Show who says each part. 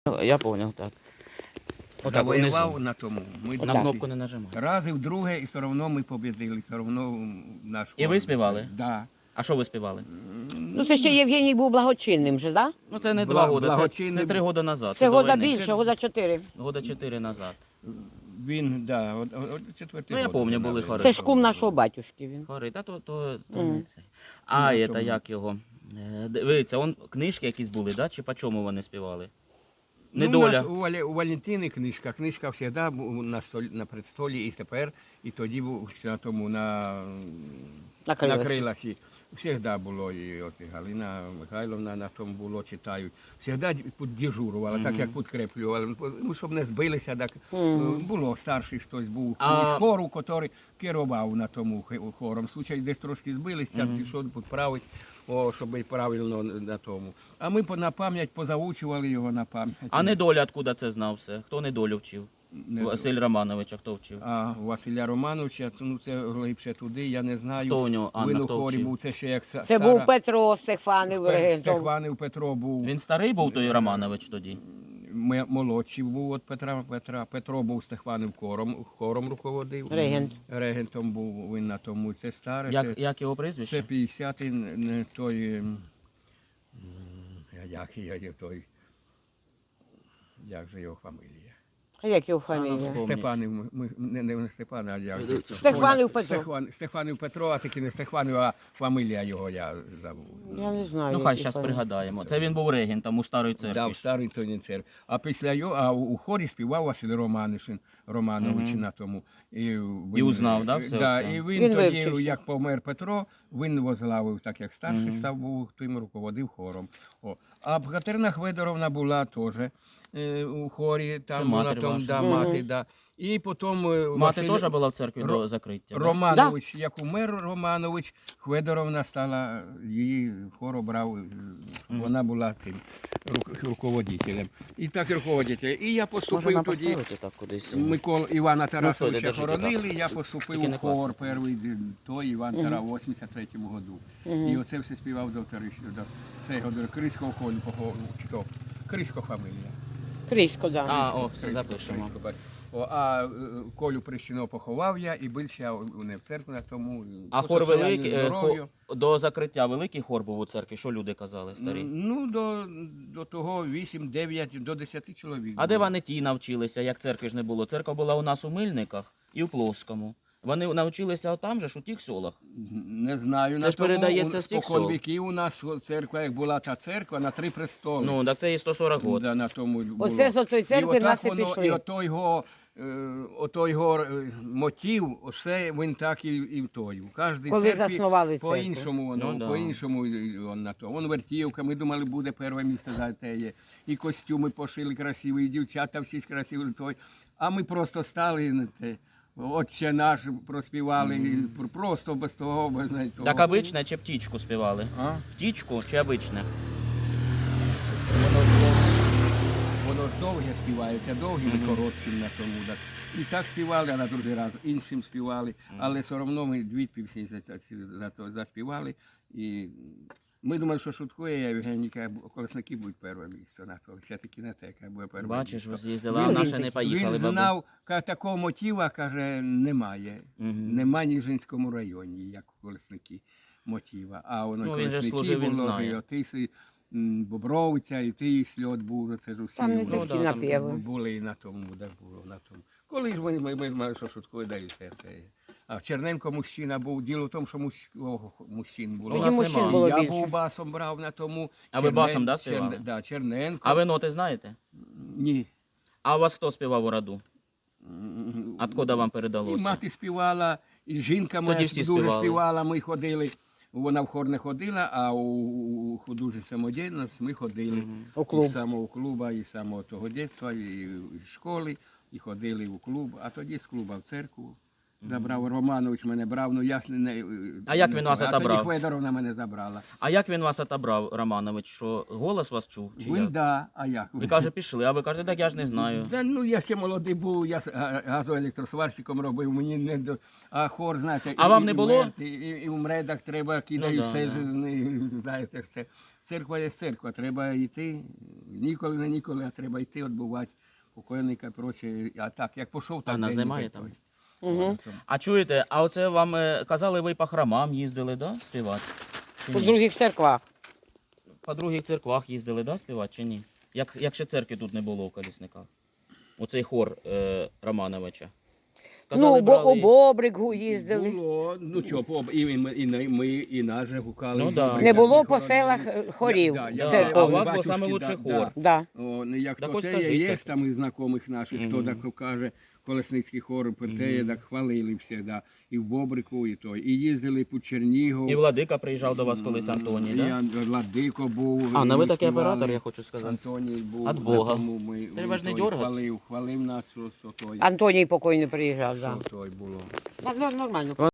Speaker 1: Я понял, так. Отак,
Speaker 2: Завоював
Speaker 1: внизу.
Speaker 2: на тому. Ми
Speaker 1: На кнопку не нажимай.
Speaker 2: раз і вдруге, і все одно ми побідили, все одно наш
Speaker 1: І ви співали?
Speaker 2: Да.
Speaker 1: А що ви співали?
Speaker 3: Ну це ще Євгеній був благочинним же, так?
Speaker 1: Ну це не 2 роки, це 3 роки назад.
Speaker 3: Це
Speaker 1: до
Speaker 3: года
Speaker 1: війни.
Speaker 3: більше, года 4.
Speaker 1: Года 4 назад.
Speaker 2: Він, да, четвертий
Speaker 1: Ну, я
Speaker 2: год
Speaker 1: помню,
Speaker 2: він
Speaker 1: були
Speaker 2: навіть.
Speaker 1: хори.
Speaker 3: Це ж кум нашого батюшки він.
Speaker 1: Хори, та то
Speaker 3: Мгм.
Speaker 1: не це. А,
Speaker 2: Ну,
Speaker 1: це
Speaker 2: то-
Speaker 1: як його? Дивіться, книжки якісь були, да? Чи по чому вони співали?
Speaker 2: Ну,
Speaker 1: Недоля.
Speaker 2: у нас у Валентини книжка завжди був на предстолі і тепер, і тоді був ще на тому, на криласі. Всегда було, і от і Галина Михайловна на тому було, читають. Всегда дежурувала, так як підкреплювали. Ну, щоб не збилися, так було старший хтось був із хору, який керував на тому хором. В случаї десь трошки збилися, пішов підправити, щоб і правильно на тому. А ми на пам'ять позаучували його на пам'ять.
Speaker 1: А недоля, откуда це знав все? Хто недолю вчив?
Speaker 2: Не-
Speaker 1: Василь Романович, а хто вчив?
Speaker 2: А Василя Романовича, ну це глибше туди, я не знаю.
Speaker 1: Хто у нього, Анна,
Speaker 2: Він у
Speaker 1: хто
Speaker 2: хорі
Speaker 1: вчив?
Speaker 2: був, це ще як
Speaker 3: Це був Петро Стефанів регентом.
Speaker 2: Стехванів Петро був.
Speaker 1: Він старий був той Романович тоді?
Speaker 2: Молодший був від Петра. Петро був Стехванів хором руководив.
Speaker 3: Регент.
Speaker 2: Регентом був він на тому. Це старе.
Speaker 1: Як його
Speaker 2: Це
Speaker 1: прізвище?
Speaker 2: 50-й, не той. Як же його фамілія?
Speaker 3: А як його фамілія?
Speaker 1: Вспомніть.
Speaker 2: Степанів, не Степан, а як же?
Speaker 3: Стефанів Петро.
Speaker 2: Стефанів Петро, а таки не Стефанів, а фамілія його я забув.
Speaker 3: Я не знаю.
Speaker 1: Ну хай
Speaker 3: які
Speaker 1: зараз
Speaker 3: фамілії.
Speaker 1: пригадаємо. Це він був регентом у старої
Speaker 2: Да,
Speaker 1: церкві.
Speaker 2: в старій тоні церкві. А після його, а у хорі співав Василь Романович на тому. І
Speaker 1: узнав, да, все
Speaker 2: Да,
Speaker 1: це?
Speaker 2: і він
Speaker 3: Він
Speaker 2: тоді,
Speaker 3: вивчився.
Speaker 2: як помер Петро, він возглавив, так як старший став, був, тим руководив хором. А Катерина Хведоровна була теж у хорі,
Speaker 1: Це
Speaker 2: там була
Speaker 1: матір
Speaker 2: там,
Speaker 1: ваша.
Speaker 2: да, мати, да. І потім
Speaker 1: Мати теж була в церкві
Speaker 2: Ро-
Speaker 1: до закриття? да?
Speaker 2: Романович, як умер Романович, Хведоровна стала, її хор обрав, вона була тим руководителем. І так руководителем. І я
Speaker 1: Може
Speaker 2: поступив
Speaker 1: нам
Speaker 2: тоді,
Speaker 1: поставити так кудись?
Speaker 2: Микола Івана Тарасовича
Speaker 1: держіть
Speaker 2: хоронили,
Speaker 1: отак.
Speaker 2: я
Speaker 1: Тільки
Speaker 2: поступив
Speaker 1: не
Speaker 2: у хор
Speaker 1: клацайте.
Speaker 2: перший, той Іван Тарас, у 83-му году. І оце все співав до цього, до Криського колю, чи то, Крисько фамілія.
Speaker 3: Крісько, так. Да.
Speaker 1: А, о, все запишемо.
Speaker 2: А Колю Прищино поховав я і бився не в церкві на тому.
Speaker 1: А
Speaker 2: по
Speaker 1: хор
Speaker 2: состоянню
Speaker 1: великий,
Speaker 2: здоров'ю.
Speaker 1: до закриття великий хор був у церкві? Що люди казали старі?
Speaker 2: Ну, до того 8, 9, до 10 чоловік.
Speaker 1: А де
Speaker 2: було.
Speaker 1: вони ті навчилися, як церкви ж не було? Церква була у нас у Мильниках і у Плоскому. Вони навчилися там же ж, у тих селах.
Speaker 2: Не знаю.
Speaker 1: Це ж передається з тих
Speaker 2: спокон
Speaker 1: сел.
Speaker 2: віків у нас церква, як була та церква, на 3 престоли.
Speaker 1: Ну, так це і 140 років.
Speaker 2: Да, на тому було.
Speaker 3: Оце з тої церкви
Speaker 2: І отак
Speaker 3: нас і
Speaker 2: воно,
Speaker 3: пішли.
Speaker 2: І ото його мотив, все він так і в той. У кожній
Speaker 3: Коли
Speaker 2: церкві
Speaker 3: заснували церкву.
Speaker 2: по-іншому воно,
Speaker 1: Ну, да.
Speaker 2: по-іншому він на то. Вон вертівка, ми думали, буде перше місце за те. І костюми пошили красиві, і дівчата всі красиві. Той. А ми просто стали на те. Отче наш проспівали, і просто без того, без того.
Speaker 1: Так обичне чи птічку співали?
Speaker 2: А?
Speaker 1: Птічку чи обичне?
Speaker 2: Воно ж довге співається, довгим і коротким на тому. Так. І так співали, а на другий раз іншим співали, але все одно ми дві пісні заспівали. І ми думали, що шуткує Євгеніка, колесники будуть перше місце на то. Все-таки не те, яке буде перше
Speaker 1: Бачиш, ви
Speaker 2: місце.
Speaker 1: з'їздили, а наші не поїхали.
Speaker 2: Він
Speaker 1: бабу.
Speaker 2: знав, такого мотива, каже, немає. Нема в Ніжинському районі, як у колесники мотива. А воно
Speaker 1: Ну, він же
Speaker 2: колесники
Speaker 1: служив, він
Speaker 2: було,
Speaker 1: знає.
Speaker 2: і отиси, Бобровиця, і ти сльот був, це ж усі
Speaker 3: Там не
Speaker 2: вони
Speaker 3: такі
Speaker 1: да, там
Speaker 3: напєви.
Speaker 2: були і на тому, де було на тому. Коли ж ми мали, що шуткою далі все це. А в Черненко мужчина був, діло в тому, що мужчин було.
Speaker 1: У нас
Speaker 3: мужчин
Speaker 1: нема.
Speaker 3: було
Speaker 2: Я
Speaker 3: більше.
Speaker 2: був басом брав на тому.
Speaker 1: А ви басом, да, співали?
Speaker 2: Да, Черненко.
Speaker 1: А ви ноти знаєте?
Speaker 2: Ні.
Speaker 1: А у вас хто співав у роду? Откуда вам
Speaker 2: І
Speaker 1: передалося?
Speaker 2: мати співала, і жінка моя
Speaker 1: Тоді всі
Speaker 2: дуже
Speaker 1: співали.
Speaker 2: співала, ми ходили. Вона в хор не ходила, а у художню самодіяльність ми ходили.
Speaker 3: У клуб.
Speaker 2: І з самого клубу, і з самого того дитинства, і з школи, і ходили у клуб. А тоді з клуба в церкву забрав. Романович мене брав, ну я ж не...
Speaker 1: А як він вас
Speaker 2: А
Speaker 1: отобрав?
Speaker 2: тоді Федоровна мене забрала.
Speaker 1: А як він вас отобрав, Романович? Що голос вас чув? Чи
Speaker 2: Він,
Speaker 1: як?
Speaker 2: да, а як?
Speaker 1: Ви каже, пішли, а ви кажете, так я ж не знаю.
Speaker 2: Да, ну я ще молодий був, я газоелектросварщиком робив, мені не до... А хор, знаєте,
Speaker 1: А вам не було?
Speaker 2: І в мредах треба, кидають
Speaker 1: да,
Speaker 2: все,
Speaker 1: да.
Speaker 2: знаєте, все. церква є церква, треба йти, ніколи не ніколи, а треба йти, відбувати покойника і проче. А так, як пішов, так
Speaker 1: А нас
Speaker 2: день
Speaker 1: немає
Speaker 2: йде
Speaker 1: там?
Speaker 2: той.
Speaker 3: Угу.
Speaker 1: А чуєте, а оце вам казали, ви по храмам їздили, да, співати? Чи
Speaker 3: По
Speaker 1: ні?
Speaker 3: других церквах.
Speaker 1: По других церквах їздили, да, співати чи ні? Як ще церкви тут не було в Колісниках? Оцей хор Романовича.
Speaker 3: Ну, у Бобригу їздили.
Speaker 2: Було, ну що, ми і нас же гукали.
Speaker 1: Ну, да.
Speaker 3: Не було
Speaker 2: Ми
Speaker 3: по
Speaker 2: хоронили.
Speaker 3: селах хорів
Speaker 2: Да,
Speaker 1: Да,
Speaker 3: церковних.
Speaker 1: а у вас був
Speaker 2: батюшки,
Speaker 1: саме лучший
Speaker 2: да,
Speaker 1: хор.
Speaker 3: Да.
Speaker 2: О, ну, як
Speaker 1: Так
Speaker 2: то
Speaker 1: ось
Speaker 2: те
Speaker 1: скажіть,
Speaker 2: є
Speaker 1: так.
Speaker 2: там із знайомих наших, хто так каже, Колесницький хор, те, так хвалили всі, да. І в Бобрику, і той. І їздили по Чернігов.
Speaker 1: І Владика приїжджав до вас колись Антоній, да?
Speaker 2: І Владико був.
Speaker 1: А, ну ви
Speaker 2: ми
Speaker 1: такий
Speaker 2: співали.
Speaker 1: оператор, я хочу сказати.
Speaker 2: Антоній був.
Speaker 1: От Бога.
Speaker 2: тому ми
Speaker 1: Треба ж не
Speaker 2: той
Speaker 1: дергатися.
Speaker 2: хвалив нас, що той.
Speaker 3: Антоній покойний приїжджав,
Speaker 2: Що
Speaker 3: да.
Speaker 2: той було.
Speaker 3: Так, нормально.